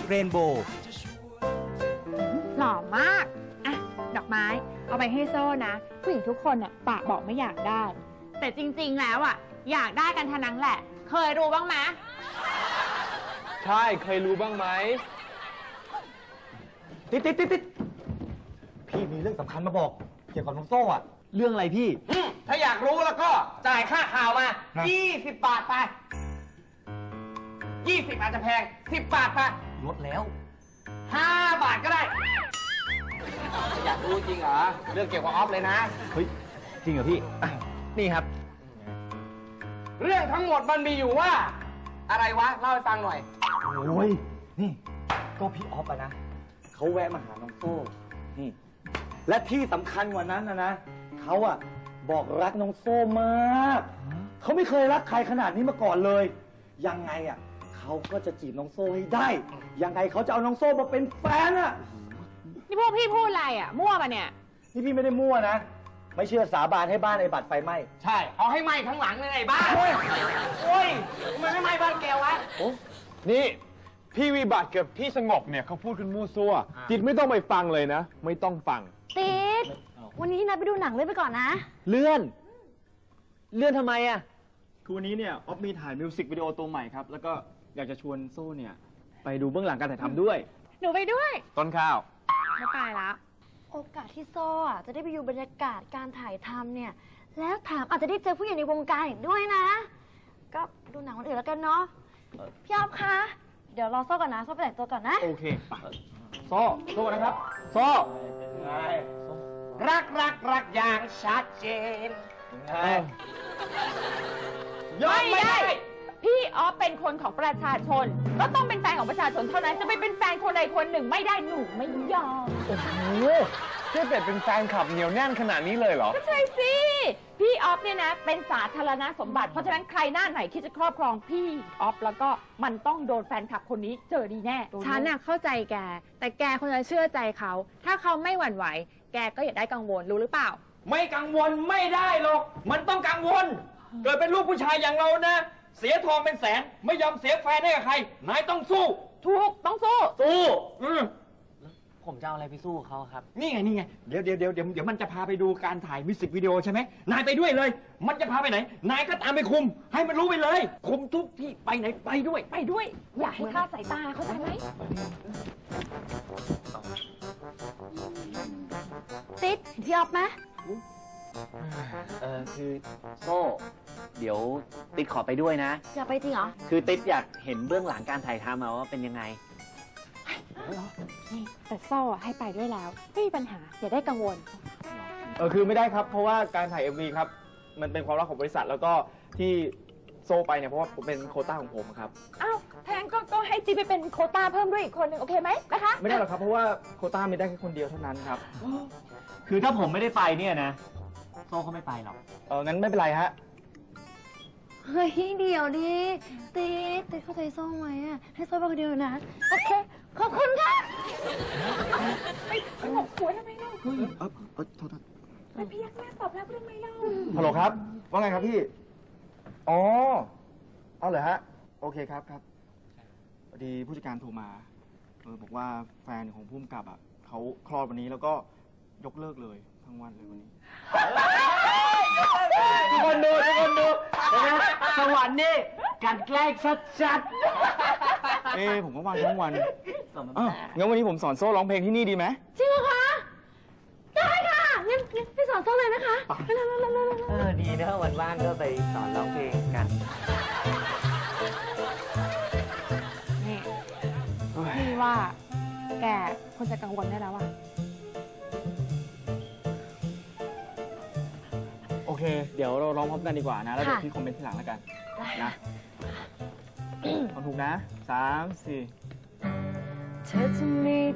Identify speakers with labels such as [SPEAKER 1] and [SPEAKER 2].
[SPEAKER 1] เรนโบว์
[SPEAKER 2] หล่อมากอ่ะดอกไม้เอาไปให้โซ่นะผู้หญิงทุกคนอ่ะปากบอกไม่อยากได้ แต่จริงๆแล้วอ่ะอยากได้กันทั้งนั้นแหละเคยรู้บ้างไหม
[SPEAKER 3] ใช่เคยรู้บ้างไหม
[SPEAKER 4] ติดพี่มีเรื่องสำคัญมาบอกเกี่ยวกับน้องโซ่อะเรื่องอะไรพี่
[SPEAKER 5] ถ้าอยากรู้แล้วก็จ่ายค่าข่าวมา20 บาทไป20อาจจะแพง10 บาทไป
[SPEAKER 4] ลดแล้ว
[SPEAKER 5] 5 บาทก็ได้อยากรู้จริงเหรอเรื่องเกี่ยวกับออฟเลยนะ
[SPEAKER 4] เฮ้ยจริงเหรอพี่นี่ครับ
[SPEAKER 5] เรื่องทั้งหมดมันมีอยู่ว่าอะไรวะเล่าให้ฟังหน่อย
[SPEAKER 4] โอ้ยนี่ก็พี่ออฟอะนะเขาแวะมาหาน้องโซ่นี่และที่สำคัญกว่านั้นนะเขาอะบอกรักน้องโซ่มากเขาไม่เคยรักใครขนาดนี้มาก่อนเลยยังไงอะเขาก็จะจีบน้องโซ่ให้ได้ยังไงเขาจะเอาน้องโซ่มาเป็นแฟนอะ
[SPEAKER 2] นี่พวกพี่พูดอะไรอะมั่วปะเนี่ย
[SPEAKER 4] นี่พี่ไม่ได้มั่วนะไม่เชื่อสาบานให้บ้านไอ้บัตรไฟไหม้
[SPEAKER 5] ใช่เอาให้ไหม้ทั้งหลังเลยไอ้บ้าโอ้ยมันไม่ไหม้บ้านแกวะ
[SPEAKER 3] นี่พี่วิบัติกับพี่สงบเนี่ยเขาพูดกันมั่วซั่วจิตไม่ต้องไปฟังเลยนะไม่ต้องฟัง
[SPEAKER 6] ติดวันนี้นัดไปดูหนังเลยไปก่อนนะ
[SPEAKER 4] เลื่อนทำไมอะ
[SPEAKER 7] คือวันนี้เนี่ยออฟมีถ่ายมิวสิกวิดีโอตัวใหม่ครับแล้วก็อยากจะชวนโซ่เนี่ยไปดูเบื้องหลังการถ่ายทำด้วย
[SPEAKER 2] หนูไปด้วย
[SPEAKER 3] ต้นข้าว
[SPEAKER 2] ไม่ไปแล้ว
[SPEAKER 6] โอกาสที่โซ่จะได้ไปอยู่บรรยากาศการถ่ายทำเนี่ยแล้วแถมอาจจะได้เจอผู้ใหญ่ในวงการอีกด้วยนะก็ดูหนังวันอื่นแล้วกันเนาะพี่ออฟคะเดี๋ยวรอโซ่ก่อนนะโซ่ไปแต่งตัวก่อนนะ
[SPEAKER 7] โอเคไปโซ่นะครับโซ่
[SPEAKER 5] รักอย่างชัดเจน
[SPEAKER 2] ไม่ได้พี่ออฟเป็นคนของประชาชนก็ต้องเป็นแฟนของประชาชนเท่านั้นจะไม่เป็นแฟนคนใดคนหนึ่งไม่ได้หนูไม่ยอม
[SPEAKER 3] โอ้โหเจ๊เป็ดเป็นแฟนคลับเหนียวแน่นขนาดนี้เลยเหรอ
[SPEAKER 2] ก็ใช่สิพี่ออฟเนี่ยนะเป็นสาธารณสมบัติเพราะฉะนั้นใครหน้าไหนที่จะครอบครองพี่ออฟแล้วก็มันต้องโดนแฟนคลับคนนี้เจอดีแน่ฉันน่ะเข้าใจแกแต่แกคนจะเชื่อใจเขาถ้าเขาไม่หวั่นไหวแกก็อย่าได้กังวลรู้หรือเปล่า
[SPEAKER 5] ไม่กังวลไม่ได้หรอกมันต้องกังวลเกิดเป็นลูกผู้ชายอย่างเรานะเสียทองเป็นแสนไม่ยอมเสียแฟนให้กับใครนายต้องสู้
[SPEAKER 2] ถูกต้องสู้
[SPEAKER 4] ผมจะเอาอะไรไปสู้เขาครับ
[SPEAKER 5] นี่ไงเดี๋ยวมันจะพาไปดูการถ่ายมิวสิกวิดีโอใช่ไหมนายไปด้วยเลยมันจะพาไปไหนนายก็ตามไปคุมให้มันรู้ไปเลยคุมทุกที่ไปไหนไปด้วย
[SPEAKER 2] อย่าให้คลาดสายตาเข้าใจไหม
[SPEAKER 6] ติดพี่ออฟไหม
[SPEAKER 4] คือโซ่เดี๋ยวติ๊ดขอไปด้วยนะ
[SPEAKER 6] อยากไปจริงเหรอ
[SPEAKER 4] คือติ๊ดอยากเห็นเบื้องหลังการถ่ายทำว่าเป็นยังไง
[SPEAKER 2] นี่แต่โซ่ให้ไปด้วยแล้วไม่มีปัญหาอย่าได้กังวล
[SPEAKER 7] คือไม่ได้ครับเพราะว่าการถ่าย MV ครับมันเป็นความลับของบริษัทแล้วก็ที่โซ่ไปเนี่ยเพราะว่าเป็นโควต้าของผมครับ
[SPEAKER 2] อ้าวแทนก็ให้จีไปเป็นโควต้าเพิ่มด้วยอีกคนหนึ่งโอเคไหมนะคะ
[SPEAKER 7] ไม่ได้หรอกครับเพราะว่าโควต้ามีได้แค่คนเดียวเท่านั้นครับ
[SPEAKER 4] คือถ้าผมไม่ได้ไปเนี่ยนะโซ่เขาไม่ไปหรอก
[SPEAKER 7] งั้นไม่เป็นไรฮะ
[SPEAKER 6] เฮ้ยเดี๋ยวดิติดเข้าใจโซ่ไหมอ่ะให้โซ่ไปคนเดียวนะโอเคขอบคุณค่ะ
[SPEAKER 2] ไปหกหัวทำไมเล่า
[SPEAKER 7] โทษ
[SPEAKER 2] ไปพยักหน้าตอบรับทำไมเล่า
[SPEAKER 7] ฮัลโหลครับว่าไงครับพี่อ๋อเอาเหรอฮะโอเคครับพอดีผู้จัดการโทรมาบอกว่าแฟนของผู้กำกับเขาคลอดวันนี้แล้วก็ยกเลิกเลยทั้งวันเลยวันนี้
[SPEAKER 4] ทุกคนดูสวรรค์นี่การแกล้งชัด
[SPEAKER 7] ผมก็ว่างทั้งวันงั้นวันนี้ผมสอนโซ่ร้องเพลงที่นี่ดีไหม
[SPEAKER 6] จริงเหรอคะได้ค่ะงั้นไปสอนโซ่เลยนะคะ
[SPEAKER 4] ดีนะวันว่างก็ไปสอนร้องเพลงกัน
[SPEAKER 2] นี่ว่าแกคนจะกังวลได้แล้วอ่ะ
[SPEAKER 7] โอเคเดี๋ยวเราร้องพร้อมกันดีกว่านะแล้วเดี๋ยวพี่คอมเมนต์ทีหลังแล้วกันนะถูกนะ3 4
[SPEAKER 6] เธอจะมี